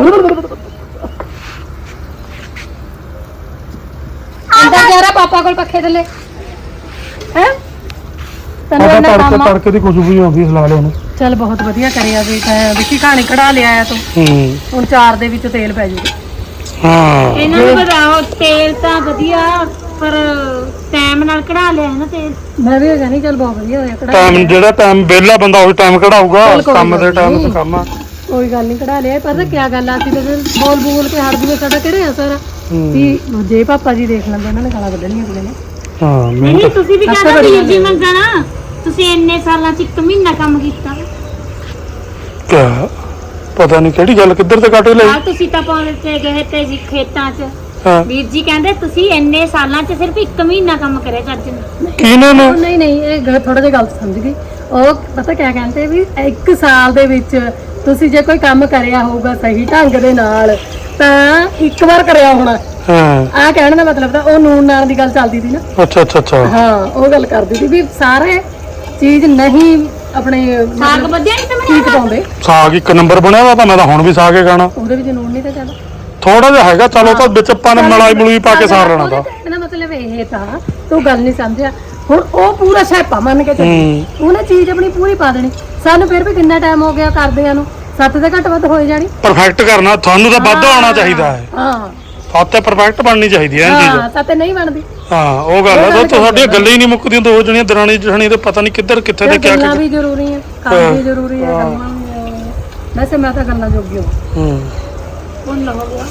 ਅੰਦਰ ਜਾ ਰਾ ਪਾਪਾ ਕੋਲ ਪੱਖੇ ਥੱਲੇ ਹੈ ਤੈਨੂੰ ਸਾਡਾ ਇੰਨਾ ਤੜਕੇ ਕੰਮ ਆ ਤੜਕੇ ਦੀ ਖੁਸ਼ਬੂ ਹੀ ਆਉਂਦੀ ਸਲਾ ਲਿਆ ਉਹਨੂੰ ਚੱਲ ਬਹੁਤ ਵਧੀਆ ਕਰਿਆ ਵੀ ਤੈਂ ਵਿੱਕੀ ਕਹਾਣੀ ਕਢਾ ਲਿਆ ਆ ਤੂੰ ਹੂੰ ਹੁਣ ਚਾਰ ਦੇ ਵਿੱਚ ਤੇਲ ਪੈ ਜੂਗਾ ਹਾਂ ਇਹਨਾਂ ਨੂੰ ਬਤਾਓ ਤੇਲ ਤਾਂ ਵਧੀਆ ਪਰ ਟਾਈਮ ਨਾਲ ਕਢਾ ਲਿਆ ਹੈ ਨਾ ਤੇਲ। ਮੈਂ ਵੀ ਕਹਿੰਦੀ ਚੱਲ ਬਹੁਤ ਵਧੀਆ ਹੋਇਆ ਕਢਾ ਟਾਈਮ ਜਿਹੜਾ ਟਾਈਮ ਵਿਹਲਾ ਬੰਦਾ ਉਹੀ ਟਾਈਮ ਕਢਾਊਗਾ, ਚੱਲ ਕੋਈ ਕੰਮ ਦੇ ਗੱਲ ਟਾਈਮ ਨਹੀਂ। ਤੇ ਕੰਮ ਆ। ਕੋਈ ਗੱਲ ਨਹੀਂ ਕਢਾ ਲਿਆ। ਪਤਾ ਕੀ ਗੱਲ ਆ, ਅਸੀਂ ਤਾਂ ਫਿਰ ਬੋਲ ਬੋਲ ਕੇ ਹਟ ਜੂਏ, ਸਾਡਾ ਕਿਹੜੇ ਅਸਰ ਆ ਵੀ ਜੇ ਪਾਪਾ ਜੀ ਦੇਖ ਲੈਂਦੇ ਉਹਨਾਂ ਨੇ ਗਾਲਾਂ ਕੱਢਣੀਆਂ ਅਗਲੇ ਨੇ। ਹਾਂ ਨਹੀਂ ਮਿਹਨਤ ਤੁਸੀਂ ਵੀ ਅੱਛਾ ਕਹਿੰਦਾ ਬੜੀ ਵੀਰ ਜੀ ਗੱਲ ਹੈ। ਮੰਗਣਾ, ਤੁਸੀਂ ਇੰਨੇ ਸਾਲਾਂ ਚ ਇੱਕ ਮਹੀਨਾ ਕੰਮ ਕੀਤਾ। ਕਿਆ ਪਤਾ ਨਹੀਂ ਕਿਹੜੀ ਗੱਲ ਕਿੱਧਰ ਤੇ ਕੱਟ ਆ ਲਈ। ਤੁਸੀਂ ਤਾਂ ਪਹੁੰਚ ਕੇ ਗਏ ਤੇ ਜੀ ਖੇਤਾਂ ਚ, ਹਾਂ ਵੀਰ ਜੀ ਕਹਿੰਦੇ ਤੁਸੀਂ ਇੰਨੇ ਸਾਲਾਂ ਚ ਸਿਰਫ ਇੱਕ ਮਹੀਨਾ ਕੰਮ ਕਰਿਆ ਚੱਜ ਨਾਲ। ਕਿਹਨੇ ਨੇ ਉਹ ਨਹੀਂ ਨਹੀਂ ਇਹ ਥੋੜਾ ਜਿਹਾ ਗਲਤ ਸਮਝ ਗਈ ਉਹ। ਪਤਾ ਕਿਆ ਕਹਿੰਦੇ ਵੀ ਇੱਕ ਸਾਲ ਦੇ ਵਿੱਚ ਤੁਸੀਂ ਜੇ ਕੋਈ ਕੰਮ ਕਰਿਆ ਹੋਊਗਾ ਸਹੀ ਢੰਗ ਦੇ ਨਾਲ ਤਾਂ ਇੱਕ ਵਾਰ ਕਰਿਆ ਹੋਣਾ। ਹਾਂ ਆਹ ਕਹਿਣ ਦਾ ਮਤਲਬ ਤਾਂ ਉਹ ਨੂਨ ਨਾਲ ਦੀ ਗੱਲ ਚੱਲਦੀ ਸੀ ਨਾ। ਅੱਛਾ ਅੱਛਾ ਅੱਛਾ ਹਾਂ ਉਹ ਗੱਲ ਕਰਦੀ ਸੀ ਵੀ ਸਾਰੇ ਚੀਜ਼ ਨਹੀਂ ਆਪਣੇ ਸਾਗ ਮਤਲਬ ਵਧਿਆ ਨਹੀਂ ਤੇ ਠੀਕ ਮੈਂ ਪਾਉਂਦੇ, ਸਾਗ ਇੱਕ ਨੰਬਰ ਬਣਿਆ ਵਾ ਤਾਂ ਮੈਂ ਤਾਂ ਹੁਣ ਵੀ ਸਾਗ ਹੀ ਖਾਣਾ। ਉਹਦੇ ਵਿੱਚ ਨੂਨ ਨਹੀਂ ਤਾਂ ਚੱਲ ਥੋੜਾ ਜਿਹਾ ਹੈਗਾ, ਚਲੋ ਤਾਂ ਵਿੱਚ ਆਪਾਂ ਨੇ ਮਲਾਈ ਮਲੂਈ ਪਾ ਕੇ ਸਾਰ ਲੈਣਾ ਤਾਂ। ਇਹਦਾ ਮਤਲਬ ਇਹ ਤਾਂ ਤੂੰ ਗੱਲ ਨਹੀਂ ਸਮਝਿਆ। ਹੁਣ ਉਹ ਪੂਰਾ ਛਾਪਾ ਮੰਨ ਕੇ ਚੱਲੀ, ਉਹਨੇ ਚੀਜ਼ ਆਪਣੀ ਪੂਰੀ ਪਾ ਦੇਣੀ। ਸਾਨੂੰ ਫਿਰ ਵੀ ਕਿੰਨਾ ਟਾਈਮ ਹੋ ਗਿਆ ਕਰਦਿਆਂ ਨੂੰ, ਸੱਤ ਦੇ ਘੱਟ ਵੱਧ ਹੋਈ ਜਾਣੀ। ਪਰਫੈਕਟ ਕਰਨਾ ਤੁਹਾਨੂੰ ਤਾਂ ਵੱਧ ਆਉਣਾ ਚਾਹੀਦਾ ਹੈ। ਹਾਂ ਹੱਥ ਤੇ ਪਰਫੈਕਟ ਬਣਨੀ ਚਾਹੀਦੀ ਹੈ ਇਹ ਹਾਂ ਚੀਜ਼। ਸੱਤ ਨਹੀਂ ਬਣਦੀ। ਹਾਂ ਉਹ ਗੱਲ ਹੈ, ਤਾਂ ਸਾਡੀਆਂ ਗੱਲਾਂ ਹੀ ਨਹੀਂ ਮੁੱਕਦੀਆਂ ਦੋ ਜਣੀਆਂ ਦਰਾਣੀ ਜਠਾਣੀ ਤੇ ਪਤਾ ਨਹੀਂ ਕਿੱਧਰ ਕਿੱਥੇ ਤੇ ਕਿਆ ਗੱਲਾਂ ਕੀ। ਵੀ ਜ਼ਰੂਰੀ ਹੈ, ਕੰਮ ਵੀ ਜ਼ਰੂਰੀ ਹੈ, ਗੱਲਾਂ ਵੀ। ਵੈਸੇ ਮੈਂ ਤਾਂ ਗੱਲਾਂ ਜੋਗੀ ਹਾਂ। ਹੂੰ ਹੁਣ ਹੋ ਗਿਆ।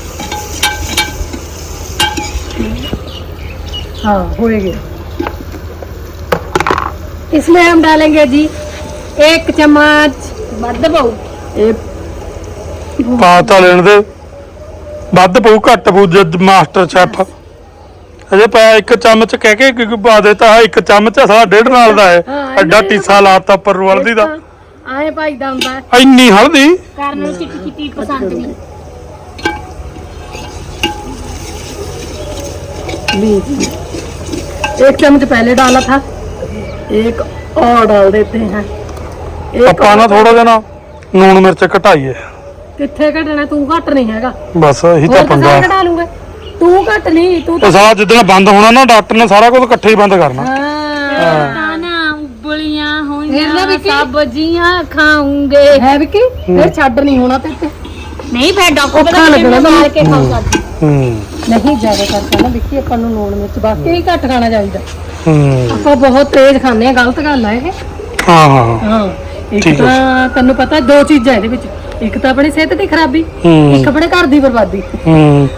हाँ हो गया। इसमें हम डालेंगे जी एक चम्मच ਵੱਧ ਪਾਉ। एक ਪਾ ਤਾਂ ਲੈਣ ਦੇ, ਵੱਧ ਪਊ ਘੱਟ ਪਊ ਜਦ ਮਾਸਟਰ ਸ਼ੈਫ ਅਜੇ ਪਾਇਆ ਇੱਕ ਚਮਚ ਕਹਿ ਕੇ ਕਿ ਪਾ ਦੇਤਾ ਹੈ। ਇੱਕ ਚਮਚ ਸਾਲਾ ਡੇਢ ਨਾਲ ਦਾ ਹੈ, ਹਾਂ, ਐਡਾ ਟੀਸਾ ਲਾਤਾ ਉੱਪਰ ਨੂੰ ਹਲਦੀ ਦਾ। आए भाई दा ਹੁੰਦਾ है। ਇੰਨੀ ਹਲਦੀ ਕਰਨ ਨੂੰ ਚਿੱਟੀ ਚਿੱਟੀ ਪਸੰਦ ਨਹੀਂ। लीजिए एक चम्मच पहले डाला था, एक और डाल देते हैं। एक ਆਪਾਂ ਨਾ ਥੋੜਾ ਜਿਹਾ ਨਾ ਨੂਣ ਮਿਰਚ ਘਟਾਈਏ, कितने घटना तू घट नहीं हैगा। ਬਸ ਇਹੀ ਤਾਂ और तो ਪੰਗਾ। सारे घटा लूंगे, तू घट नहीं तू ਉਹ तो ਸਾਰਾ ਜਿੱਦਣ ਬੰਦ ਹੋਣਾ ਨਾ ਡਾਕਟਰ ਨੇ ਸਾਰਾ ਕੁਝ ਇਕੱਠੇ ਹੀ ਬੰਦ ਕਰਨਾ। हाँ ਤਾਂ ਨਾ ਉਬਲੀਆਂ ਫਿਰ ਨਾ ਹੋਈਆਂ ਵੀ ਕੀ? ਸਬਜ਼ੀਆਂ ਖਾਉਂਗੇ। है विकी फिर छड़ नहीं होना ते ते ਨਹੀਂ ਫਿਰ ਡਾਕਟਰ ਔਖਾ ਬਤਾ ਲੱਗਣਾ ਲੱਗਣਾ ਮਾਰ ਕੇ ਖਾਓ ਹੂੰ। ਸਬਜ਼ੀ। ਹੂੰ ਨਹੀਂ ਜ਼ਿਆਦਾ ਕਰਦਾ ਨਾ ਵਿੱਕੀ, ਆਪਾਂ ਨੂੰ ਲੂਣ ਮਿਰਚ ਬਾਕੀ ਹੀ ਘੱਟ ਖਾਣਾ ਚਾਹੀਦਾ। ਹੂੰ ਆਪਾਂ ਬਹੁਤ ਤੇਜ਼ ਖਾਂਦੇ ਆ, ਗਲਤ ਗੱਲ ਆ ਇਹ। ਹਾਂ ਹਾਂ ਹਾਂ ਇੱਕ ਠੀਕ ਹੈ। ਤਾਂ ਤੈਨੂੰ ਪਤਾ ਦੋ ਚੀਜ਼ਾਂ ਇਹਦੇ ਵਿੱਚ, ਇੱਕ ਤਾਂ ਆਪਣੀ ਸਿਹਤ ਦੀ ਖਰਾਬੀ, ਹੂੰ ਇੱਕ ਆਪਣੇ ਘਰ ਦੀ ਬਰਬਾਦੀ। ਹੂੰ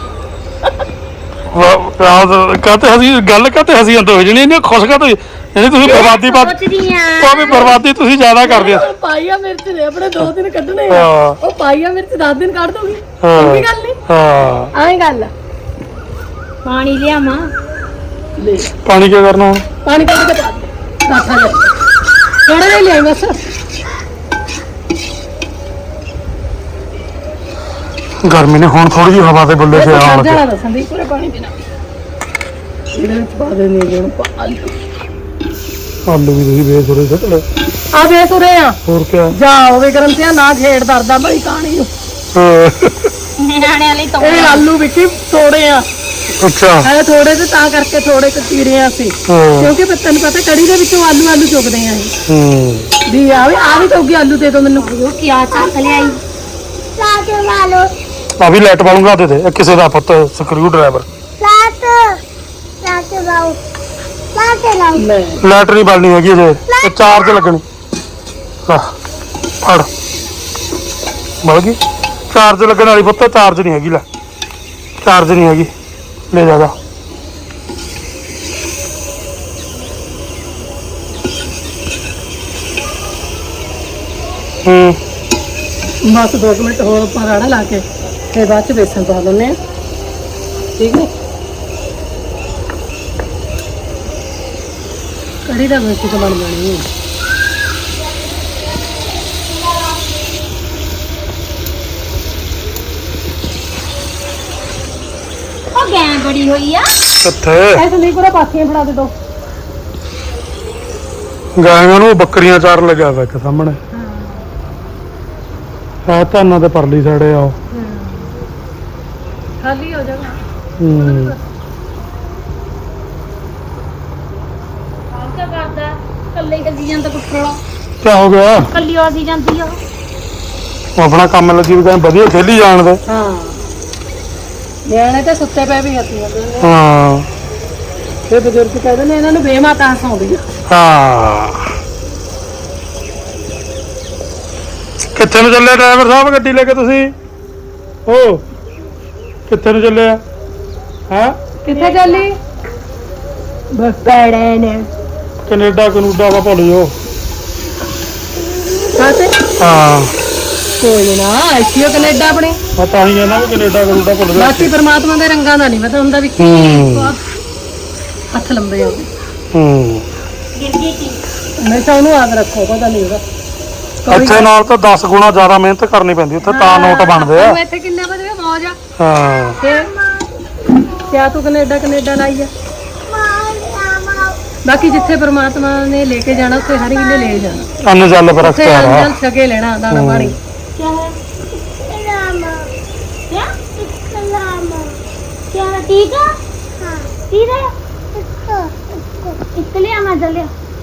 ਵਾਹ ਕਾਤੇ ਹਸੀ ਗੱਲ ਕਾਤੇ ਹਸੀ ਅੰਦਰ ਹੋ ਜਣੀ ਇਹਨੇ ਖੁਸ਼ ਕਾਤੇ ਜਿਹੜੀ ਤੁਸੀਂ ਬਰਬਾਦੀ ਬਾਤ ਸੋਚਦੀ ਆ ਉਹ ਵੀ ਬਰਬਾਦੀ ਤੁਸੀਂ ਜ਼ਿਆਦਾ ਕਰਦੇ ਹੋ। ਪਾਈਆ ਮਿਰਚ ਨੇ ਆਪਣੇ ਦੋ ਦਿਨ ਕੱਢਣੇ ਆ, ਹਾਂ। ਉਹ ਪਾਈਆ ਮਿਰਚ ਦਸ ਦਿਨ ਕੱਢ ਦੋਗੀ। ਹਾਂ। ਚੰਗੀ ਗੱਲ ਨਹੀਂ, ਹਾਂ ਆਏ ਗੱਲ ਆ। ਪਾਣੀ ਲਿਆਵਾਂ। ਲੈ ਪਾਣੀ ਕੀ ਕਰਨਾ ਹੁਣ? ਪਾਣੀ ਕੱਢ ਕੇ ਪਾ ਦੇ ਬਾਠਾ ਜਾ ਥੋੜਾ ਜਿਹਾ ਲਿਆਈ ਬਸ। ਗਰਮੀ ਨੇ ਹੁਣ ਥੋੜੀ ਜਿਹੀ ਹਵਾ ਦੇ ਬੁੱਲੇ ਸੇ ਆਉਣ ਲੱਗੇ। ਜਾਣਾ ਦੱਸਾਂ ਦੀ ਪੂਰੇ ਪਾਣੀ ਪੀਣਾ। ਇਹਦੇ ਵਿੱਚ ਪਾ ਦੇ ਨਹੀਂ ਜਣ ਪਾ ਆਲੂ ਆਲੂ ਵੀ ਤੁਸੀਂ ਬੇਸੁਰੇ ਸੁੱਟ ਲੈ। ਆ ਬੇਸੁਰੇ ਆ ਹੋਰ ਕਿਆ? ਜਾ ਹੋਵੇ ਗਰਮ ਤੇ ਨਾ ਛੇੜ ਦਰਦਾ ਬਈ ਕਹਾਣੀ ਨੂੰ। ਹਾਂ। ਨਿਆਣਿਆਂ ਲਈ ਤਾਂ ਇਹ ਆਲੂ ਵਿੱਚ ਥੋੜੇ ਆ, ਅੱਛਾ ਇਹ ਥੋੜੇ ਤੇ ਤਾਂ ਕਰਕੇ ਥੋੜੇ ਕੁ ਚੀਰੇ ਆ ਸੀ, ਹਾਂ। ਕਿਉਂਕਿ ਫਿਰ ਤੈਨੂੰ ਪਤਾ ਕੜੀ ਦੇ ਵਿੱਚੋਂ ਆਲੂ ਆਲੂ ਚੁਗਦੇ ਆ ਇਹ ਹੂੰ ਵੀ ਆ ਵੀ ਆ ਵੀ ਚੁੱਗੀ ਆਲੂ ਦੇ ਦੋ ਮੈਨੂੰ। ਉਹ ਕੀ ਆ ਚੱਕ ਲਿਆਈ। ਲਾਟ ਵਾਲੋ ਆ ਵੀ ਲਾਈਟ ਵਾਲੂਗਾ ਦੇ ਦੇ ਇਹ ਕਿਸੇ ਦਾ ਪੁੱਤ ਸਕਰੂ ਡਰਾਈਵਰ। ਲਾਟ ਲਾਟ ਵਾਓ ਲਾਟ ਲਾਓ। ਲੈ ਲਾਈਟ ਨਹੀਂ ਬਲਣੀ ਹੈਗੀ ਜੇ ਇਹ ਚਾਰਜ ਲੱਗਣੀ। ਲੈ ਫੜ ਬਲ ਗਈ ਚਾਰਜ ਲੱਗਣ ਵਾਲੀ ਪੁੱਤ, ਚਾਰਜ ਨਹੀਂ ਹੈਗੀ। ਲੈ ਚਾਰਜ ਨਹੀਂ ਹੈਗੀ, ਲੈ ਜਾ ਜਾ। ਹੂੰ ਬਸ ਦੋ ਕੁ ਮਿੰਟ ਹੋਰ ਆਪਾਂ ਰਾੜਾ ਲਾ ਕੇ ਤੇ ਬਾਅਦ ਚ ਬੇਸਣ ਪਾ ਦਿੰਦੇ ਆ, ਠੀਕ ਨੇ। ਕੜੀ ਦਾ ਬੇਸਣ ਤਾਂ ਬਣ ਜਾਣੀ ਹੈ। ਉਹ ਗੈਂ ਬੜੀ ਹੋਈ ਆ। ਕਿੱਥੇ ਐਸੇ ਨਹੀਂ ਪੂਰਾ ਪਾਥੀਆਂ ਫੜਾ ਦੇ ਦੋ। ਗਾਇਆਂ ਨੂੰ ਬੱਕਰੀਆਂ ਚਾਰ ਲੱਗਿਆ ਵਾ ਇੱਕ ਸਾਹਮਣੇ। ਆ ਧਾਨਾਂ ਤੇ ਪਰਲੀ ਸਾਈਡੇ ਆਓ। ਖਾਲੀ ਹੋ ਜਾਣਾ। ਹੂੰ ਆਹ ਕੀ ਕਰਦਾ ਕੱਲੇ ਕੱਲੀ ਜਾਂਦਾ ਕੁੱਟੜਾ। ਕੀ ਹੋ ਗਿਆ? ਕੱਲੀ ਆਦੀ ਜਾਂਦੀ ਆ। ਉਹ ਆਪਣਾ ਕੰਮ ਲੱਗੀ ਵੀ ਕਹਿੰਦੇ ਵਧੀਆ ਖੇਲੀ ਜਾਣ ਦੇ। ਹਾਂ ਨਿਆਣੇ ਤੇ ਸੁੱਤੇ ਪਏ ਵੀ ਹੱਥੀਆਂ ਦੇ। ਹਾਂ ਇਹ ਬਜ਼ੁਰਗ ਕਹਿੰਦੇ ਨੇ ਇਹਨਾਂ ਨੂੰ ਬੇਮਾਤਾ ਹਸਾਉਂਦੀ ਆ। ਹਾਂ ਕਿੱਥੇ ਨੂੰ ਚੱਲੇ ਡਰਾਈਵਰ ਸਾਹਿਬ ਗੱਡੀ ਲੈ ਕੇ ਤੁਸੀਂ? ਓ ਕਿੱਥੇ ਨੂੰ ਚੱਲੇ ਆ? ਹਾਂ ਕਿੱਥੇ ਚੱਲੀ? ਬਸ ਬੜੇ ਨੇ ਕੈਨੇਡਾ ਕਨੂਡਾ ਵਾ ਭੁੱਲ ਜਾਓ। ਕਾਤੇ ਹਾਂ ਕੋਈ ਨਾ ਆਈਓ ਕੈਨੇਡਾ ਆਪਣੇ ਮੈਂ ਤਾਂ ਹੀ ਕਹਿੰਦਾ ਵੀ ਕੈਨੇਡਾ ਕਨੂਡਾ ਭੁੱਲ ਜਾਓ। ਬਾਕੀ ਪਰਮਾਤਮਾ ਦੇ ਰੰਗਾਂ ਦਾ ਨਹੀਂ ਪਤਾ ਹੁੰਦਾ ਵੀ ਕੀ ਹੂੰ ਹੱਥ ਲੰਬੇ ਹੋ ਗਏ। ਹੂੰ ਗਿਰ ਗਈ ਸੀ। ਹਮੇਸ਼ਾ ਉਹਨੂੰ ਯਾਦ ਰੱਖੋ ਪਤਾ ਨਹੀਂ ਉਹਦਾ ਇੱਥੇ ਨਾਲ ਤਾਂ ਦਸ ਗੁਣਾ ਜ਼ਿਆਦਾ ਮਿਹਨਤ ਕਰਨੀ ਪੈਂਦੀ ਉੱਥੇ ਤਾਂ ਨੋਟ ਬਣਦੇ ਆ। ਤੂੰ ਇੱਥੇ ਕਿੰਨਾ ਵਧੀਆ ਮੌਜ ਆ ਹਾਂ ਫਿਰ ਕਿਆ ਤੂੰ ਕੈਨੇਡਾ ਕੈਨੇਡਾ ਲਾਈ ਆ। ਬਾਕੀ ਜਿੱਥੇ ਪਰਮਾਤਮਾ ਨੇ ਲੈ ਕੇ ਜਾਣਾ ਉੱਥੇ ਹਰ ਵੇਲੇ ਲੈ ਜਾਣਾ। ਅੰਨ ਜਲ ਪਰ ਉੱਥੇ ਅਖਤਿਆਰ ਆ। ਅੰਜਲ ਛਕੇ ਲੈਣਾ ਦਾਣਾ ਪਾਣੀ। क्या है? क्या? क्या है? ठीक है? ठीक है? इसके लिए आना जल्दी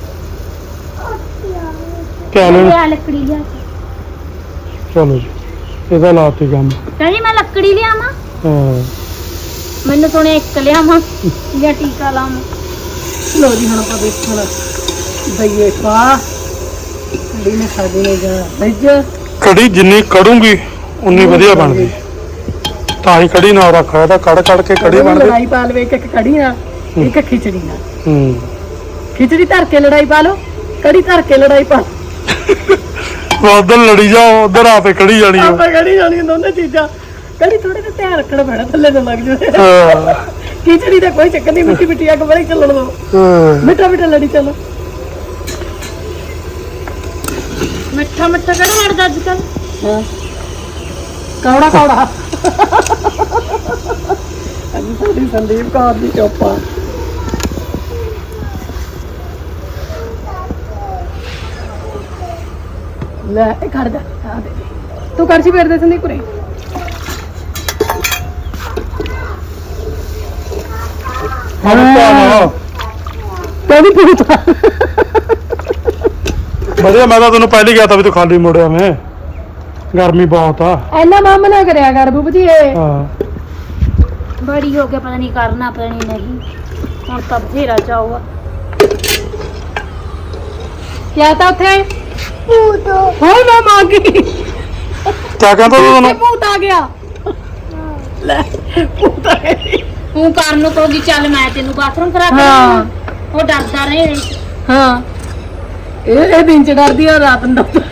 ਕਿਆ ਲੈਣਾ? लिया लकड़ी लिया ਚਲੋ ਜੀ ਇਹਦਾ ਲਾਤੀ ਕੰਮ। कहनी मैं लकड़ी लिया मां ਹਾਂ मैंने सुने एक लिया मां या टीका लाऊं ਲੋ ਜੀ ਹੁਣ ਆਪਾਂ ਦੇਖਣਾ ਦਈਏ ਪਾ ਕੜੀ ਨੇ ਸਾਡੀ ਨੇ ਜਾ ਰੱਜ ਕੜੀ ਜਿੰਨੀ ਕੜੂੰਗੀ ਉਨੀ ਵਧੀਆ ਬਣਦੀ। ਤਾਂ ਹੀ ਕੜੀ ਨਾਲ ਰੱਖਿਆ ਤਾਂ ਕੜ ਕੜ ਕੇ ਕੜੀ ਬਣਦੀ। ਲੜਾਈ ਪਾ ਲਵੇ ਇੱਕ ਇੱਕ ਕੜੀ ਨਾਲ ਇੱਕ ਖਿਚੜੀ ਨਾਲ। ਹੂੰ ਖਿਚੜੀ ਧਰ ਕੇ ਲੜਾਈ ਪਾ ਲਓ ਕੜੀ ਧਰ ਕੇ ਲੜਾਈ ਪਾ ਉਧਰ ਲੜੀ ਜਾਓ ਉਧਰ ਆ ਤੇ ਕੜੀ ਜਾਣੀ ਆ। ਆਪਾਂ ਕੜੀ ਜਾਣੀ ਦੋਨੇ ਚੀਜ਼ਾਂ। ਕੜੀ ਥੋੜੇ ਜਿਹਾ ਧਿਆਨ ਰੱਖਣਾ ਪੈਣਾ ਥੱਲੇ ਨਾ ਲੱਗ ਜਾਵੇ। ਹਾਂ ਖਿਚੜੀ ਦਾ ਕੋਈ ਚੱਕਰ ਨਹੀਂ ਮਿੱਠੀ ਮਿੱਠੀ ਅੱਗ ਬੜੀ ਚੱਲਣ ਦੋ ਹਾਂ। ਮਿੱਠਾ ਮਿੱਠਾ ਲੜੀ ਚੱਲੋ। मिठा मिठा कर मारदा आजकल ਹਾਂ ਕੌੜਾ ਕੌੜਾ ਅੱਜ ਸਾਡੀ ਸੰਦੀਪ ਕੌਰ ਦੀ ਚੋਪਾ ਲੈ ਇਹ ਖੜ ਜਾ ਆ ਦੇ ਦੇ। ਤੂੰ ਕਰਛੀ ਫੇਰ ਦੇ ਸੰਦੀਪ ਕੁਰੇ ਹੁਣ ਤਾਂ ਕਹਿੰਦੀ ਪੁੱਛਾ ਵਧੀਆ। ਮੈਂ ਤਾਂ ਤੈਨੂੰ ਪਹਿਲੀ ਗਿਆ ਤਾਂ ਵੀ ਤੂੰ ਖਾਲੀ ਮੁੜਿਆ ਮੈਂ ਗਰਮੀ ਬਹੁਤ ਆ। ਐਨਾ ਮਾਮ ਨਾ ਕਰਿਆ ਕਰ ਬੂਬ ਜੀ ਇਹ ਹਾਂ बड़ी हो के पता नहीं करना पता नहीं नहीं और तब घेरा जाओगा ਕਿਆ ਤਾਂ ਉੱਥੇ ਭੂਤ ਹੋਏ ਮੈਂ ਮੰਗੀ ਕਿਆ ਕਹਿੰਦਾ ਤੂੰ ਤੈਨੂੰ? ਭੂਤ ਆ ਗਿਆ ਲੈ ਭੂਤ ਆ ਗਿਆ। तू करन कहोगी चल मैं तेन बाथरूम करा के हाँ। लाऊं। वो डरदा रहे ਹਾਂ ਇਹ ਇਹ ਦਿਨ ਚ ਡਰਦੀ ਆ ਰਾਤ ਨੂੰ ਡਰਦੀ।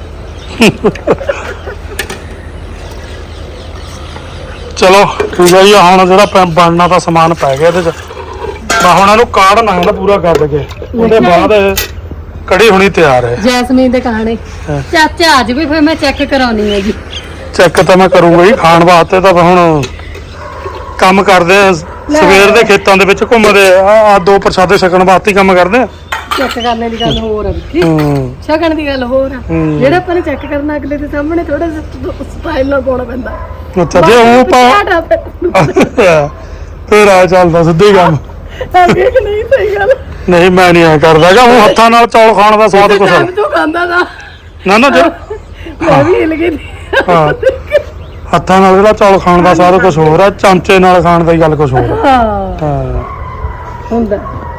ਚਲੋ ਠੀਕ ਹੈ ਜੀ। ਹੁਣ ਜਿਹੜਾ ਪ- ਬਣਨਾ ਤਾਂ ਸਮਾਨ ਪੈ ਗਿਆ ਇਹਦੇ ਚ। ਮੈਂ ਹੁਣ ਇਹਨੂੰ ਕਾੜਨਾ ਇਹਦਾ ਪੂਰਾ ਕਰ ਕੇ ਉਹਦੇ ਬਾਅਦ ਇਹ ਕੜੀ ਹੋਣੀ ਤਿਆਰ ਹੈ। ਜੈਸਮੀਨ ਦੇ ਕਹਾਣੀ ਹਾਂ। ਚਾਚਾ ਅੱਜ ਵੀ ਫਿਰ ਮੈਂ ਚੈੱਕ ਕਰਾਉਣੀ ਹੈ ਜੀ। ਚੈੱਕ ਤਾਂ ਮੈਂ ਕਰੂੰਗਾ ਹੀ। ਖਾਣ ਵਾਸਤੇ ਤਾਂ ਹੁਣ ਕੰਮ ਕਰਦੇ ਆ ਸਵੇਰ ਦੇ ਖੇਤਾਂ ਦੇ ਵਿੱਚ ਘੁੰਮਦੇ ਆ ਆ ਦੋ ਪ੍ਰਸ਼ਾਦੇ ਛਕਣ ਵਾਸਤੇ ਹੀ ਕੰਮ ਕਰਦੇ ਆ। ਚੈੱਕ ਕਰਨੇ ਦੀ ਗੱਲ ਹੋਰ ਆ ਵਿੱਕੀ। ਹੂੰ ਛਕਣ ਦੀ ਗੱਲ ਹੋਰ ਆ। ਹੂੰ। ਜਿਹੜਾ ਆਪਾਂ ਨੇ ਚੈੱਕ ਕਰਨਾ ਅਗਲੇ ਦੇ ਸਾਹਮਣੇ ਥੋੜਾ ਸਟਾਈਲ ਨਾਲ ਪਾਉਣਾ ਪੈਂਦਾ। ਅੱਛਾ ਜੇ ਉਹ ਪਾ ਫੇਰ ਆ ਚੱਲਦਾ ਸਿੱਧੇ ਕੰਮ। ਅੱਗੇ ਕਿ ਨਹੀਂ ਸਹੀ ਗੱਲ। ਨਹੀਂ ਮੈਂ ਨਹੀਂ ਐ ਕਰਦਾ ਗਾ। ਉਹ ਹੱਥਾਂ ਨਾਲ ਚੌਲ ਖਾਣ ਦਾ ਸਵਾਦ ਕੁਛ ਟਾਈਮ ਤੋਂ ਖਾਂਦਾ ਦਾ ਨਾ ਨਾ ਜੇ ਮੈਂ ਵੀ ਹਿਲ ਗਈ ਸੀ। ਹਾਂ ਹੱਥਾਂ ਨਾਲ ਜਿਹੜਾ ਚੌਲ ਖਾਣ ਦਾ ਸਾਰਾ ਕੁਝ ਹੋਰ ਆ। ਚਮਚੇ ਨਾਲ ਖਾਣ ਦੀ ਗੱਲ ਕੁਝ ਹੋਰ ਆ। ਹਾਂ ਹਾਂ ਹੁੰਦਾ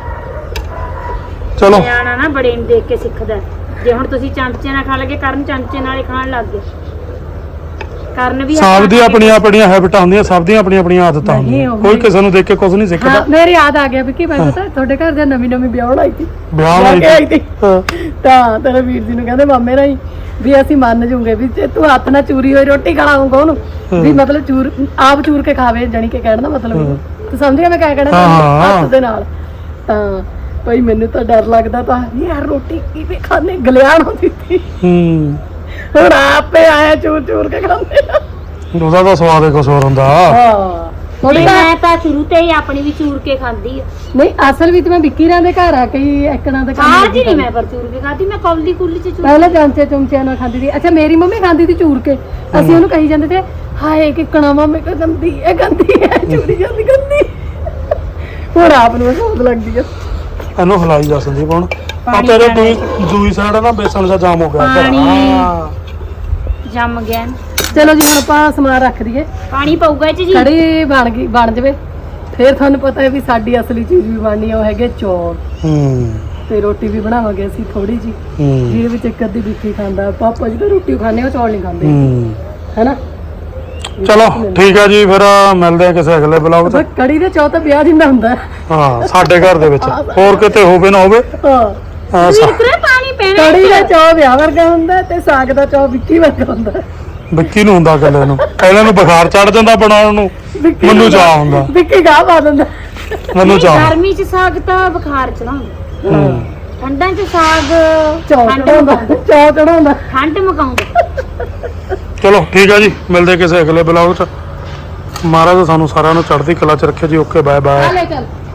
ਚਲੋ ਨਿਆਣਾ ਨਾ ਬੜੇ ਨੂੰ ਦੇਖ ਕੇ ਸਿੱਖਦਾ। ਜੇ ਹੁਣ ਤੁਸੀਂ ਚਮਚੇ ਨਾਲ ਖਾ ਲਗੇ ਕਰਨ ਚਮਚੇ ਨਾਲ ਹੀ ਖਾਣ ਲੱਗ ਗਏ। ਕਰਨ ਵੀ ਸਭ ਦੀ ਆਪਣੀਆਂ ਆਪਣੀਆਂ ਹੈਬਿਟਾਂ ਹੁੰਦੀਆਂ। ਸਭ ਦੀਆਂ ਆਪਣੀਆਂ ਆਪਣੀਆਂ ਆਦਤਾਂ ਨਹੀਂ, ਹੁੰਦੀਆਂ। ਉਹ ਕੋਈ ਵੀ- ਕਿਸੇ ਨੂੰ ਦੇਖ ਕੇ ਕੁਝ ਨਹੀਂ ਹਾਂ ਸਿੱਖਦਾ। ਮੇਰੇ ਯਾਦ ਆ ਗਿਆ ਵਿੱਕੀ ਮੈਂ ਪਤਾ ਤੁਹਾਡੇ ਘਰ ਦੇ ਨਵੀਂ ਨਵੀਂ ਵਿਆਹਣ ਆਈ ਸੀ। ਵਿਆਹ ਵਿਆਹ ਕੇ ਆਈ ਵਾਲੀ ਸੀ। ਤਾਂ ਤੇਰੇ ਵੀਰ ਜੀ ਨੂੰ ਕਹਿੰਦੇ ਮਾਮੇ ਰਾਈ ਵੀ ਅਸੀਂ ਮੰਨ ਜੂਗੇ ਵੀ ਜੇ ਤੂੰ ਹੱਥ ਨਾਲ ਚੂਰੀ ਹੋਈ ਰੋਟੀ ਖਾਣਾਉਂਗਾ ਉਹਨੂੰ ਵੀ ਮਤਲਬ ਚੂਰ ਆਪ ਚੂਰ ਕੇ ਖਾਵੇ ਜਾਨੀ ਕਿ ਕਹਿਣ ਦਾ ਮਤਲਬ ਇਹ। ਤੂੰ ਸਮਝ ਗਿਆ ਮੈਂ ਕਿਆ ਕਹਿਣਾ ਹਾਂ, ਹਾਂ। ਹੱਥ ਦੇ ਨਾਲ। ਤਾਂ ਭਾਈ ਮੈਨੂੰ ਤਾਂ ਡਰ ਲੱਗਦਾ ਤਾਂ ਯਾਰ ਰੋਟੀ ਕਿਵੇਂ ਖਾਣੇ ਗਲਿਆਣ ਹੁੰਦੀ ਸੀ। ਹੂੰ ਹੁਣ ਆਪੇ ਆਇਆ ਚੂਰ ਚੂਰ ਕੇ ਖਾਂਦੇ ਆ। ਉਹਦਾ ਤਾਂ ਸਵਾਦ ਹੀ ਕੁਝ ਹੋਰ ਹੁੰਦਾ। ਹਾਂ ਥੋੜੀ ਮੈਂ ਤਾਂ ਸ਼ੁਰੂ ਤੇ ਹੀ ਆਪਣੀ ਵੀ ਚੂਰ ਕੇ ਖਾਂਦੀ ਆ। ਨਹੀਂ ਅਸਲ ਵਿੱਚ ਮੈਂ ਵਿੱਕੀ ਰਾਂ ਦੇ ਘਰ ਆ ਕੇ ਹੀ ਐਕਣਾ ਦੇ ਕੰਮ ਆਹ ਜੀ ਨਹੀਂ ਮੈਂ ਪਰ ਚੂਰ ਕੇ ਖਾਦੀ। ਮੈਂ ਕੌਲੀ ਕੁੱਲੀ ਚ ਚੂਰ ਪਹਿਲਾਂ ਚਮਚੇ ਚਮਚਿਆਂ ਨਾਲ ਖਾਂਦੀ ਸੀ। ਅੱਛਾ ਮੇਰੀ ਮੰਮੀ ਖਾਂਦੀ ਸੀ ਚੂਰ ਕੇ। ਅਸੀਂ ਉਹਨੂੰ ਕਹੀ ਜਾਂਦੇ ਤੇ ਹਾਏ ਕਿ ਕਣਾ ਮੰਮੀ ਕੋ ਗੰਦੀ ਇਹ ਗੰਦੀ ਹੈ ਚੂਰੀ ਜਾਂਦੀ ਗੰਦੀ। ਹੁਣ ਆਪ ਨੂੰ ਸਵਾਦ ਲੱਗਦੀ ਆ। ਇਹਨੂੰ ਹਲਾਈ ਜਾ ਸੰਦੀਪ ਹੁਣ ਆ ਪਾਣੀ ਤੇਰੇ ਪਾਣੀ। ਦੂਈ ਦੂਈ ਸਾਈਡ ਨਾ ਬੇਸਣ ਦਾ ਜਾਮ ਹੋ ਗਿਆ ਇੱਧਰ। ਪਾਣੀ। ਹਾਂ ਜੰਮ ਗਿਆ। ਚਲੋ ਜੀ ਹੁਣ ਆਪਾਂ ਸਮਾਨ ਰੱਖ ਦਈਏ। ਪਾਣੀ ਪਊਗਾ ਇਹ ਚ ਜੀ। ਕੜੀ ਬਣ ਗਈ ਬਣ ਜਵੇ ਫਿਰ ਤੁਹਾਨੂੰ ਪਤਾ ਹੈ ਵੀ ਸਾਡੀ ਅਸਲੀ ਚੀਜ਼ ਵੀ ਬਣਨੀ ਆ, ਉਹ ਹੈਗੇ ਚੌਲ ਹੂੰ ਤੇ ਰੋਟੀ ਵੀ ਬਣਾਵਾਂਗੇ ਅਸੀਂ ਥੋੜੀ ਜੀ, ਹੂੰ ਜਿਹਦੇ ਵਿੱਚ ਇੱਕ ਅੱਧੀ ਵਿੱਕੀ ਖਾਂਦਾ, ਪਾਪਾ ਜੀ ਤਾਂ ਰੋਟੀ ਖਾਂਦੇ ਉਹ ਚੌਲ ਨਹੀਂ ਖਾਂਦੇ ਹੂੰ ਹੈਨਾ। ਚਲੋ ਠੀਕ ਆ ਜੀ, ਫਿਰ ਮਿਲਦੇ ਆ ਕਿਸੇ ਅਗਲੇ ਬਲੌਗ 'ਚ। ਬਸ ਕੜੀ ਦੇ ਚੌਲ ਤਾਂ ਵਿਆਹ ਜਿੰਨਾ ਹੁੰਦਾ ਹੈ। ਹਾਂ ਸਾਡੇ ਘਰ ਦੇ ਵਿੱਚ ਹੋਰ ਕਿਤੇ ਹੋਵੇ ਨਾ ਹੋਵੇ। ਹਾਂ ਹਾਂ, ਸਾ- ਵੀਰ ਪਾਣੀ ਪੈਣਾ ਕੜੀ ਦਾ ਚੌਲ ਵਿਆਹ ਵਰਗਾ ਹੁੰਦਾ ਤੇ ਸਾਗ ਦਾ ਚੌਲ ਵਿੱਕੀ ਵਰਗਾ ਹੁੰਦਾ। ਵਿੱਕੀ ਨੂੰ ਹੁੰਦਾ ਕੱਲੇ ਨੂੰ, ਪਹਿਲਾਂ ਨੂੰ ਬੁਖਾਰ ਚੜ ਜਾਂਦਾ ਬਣਾਉਣ ਨੂੰ, ਵਿੱਕੀ ਮੈਨੂੰ ਚਾਹ ਹੁੰਦਾ, ਵਿੱਕੀ ਗਾਹ ਪਾ ਦਿੰਦਾ। ਮੈਨੂੰ ਚਾਹ। ਗਰਮੀ ਚ ਸਾਗ ਤਾਂ ਬੁਖਾਰ ਚੜਾਉਂਦਾ, ਹੂੰ ਠੰਡਾਂ ਚ ਸਾਗ ਚੌਲ ਠੰਡ ਚੜਾਉਂਦਾ, ਮੁਕਾਉਂਦਾ, ਚੌਲ ਚੜਾਉਂਦਾ। ਠੰਡ ਮੁਕਾਉਂਦਾ। ਚਲੋ ਠੀਕ ਆ ਜੀ, ਮਿਲਦੇ ਕਿਸੇ ਅਗਲੇ ਬਲੌਗ 'ਚ। ਮਹਾਰਾਜ ਸਾਨੂੰ ਸਾਰਿਆਂ ਨੂੰ ਚੜ੍ਹਦੀ ਕਲਾ 'ਚ ਰੱਖਿਓ ਜੀ। Okay bye bye. ਲੈ ਚੱਲ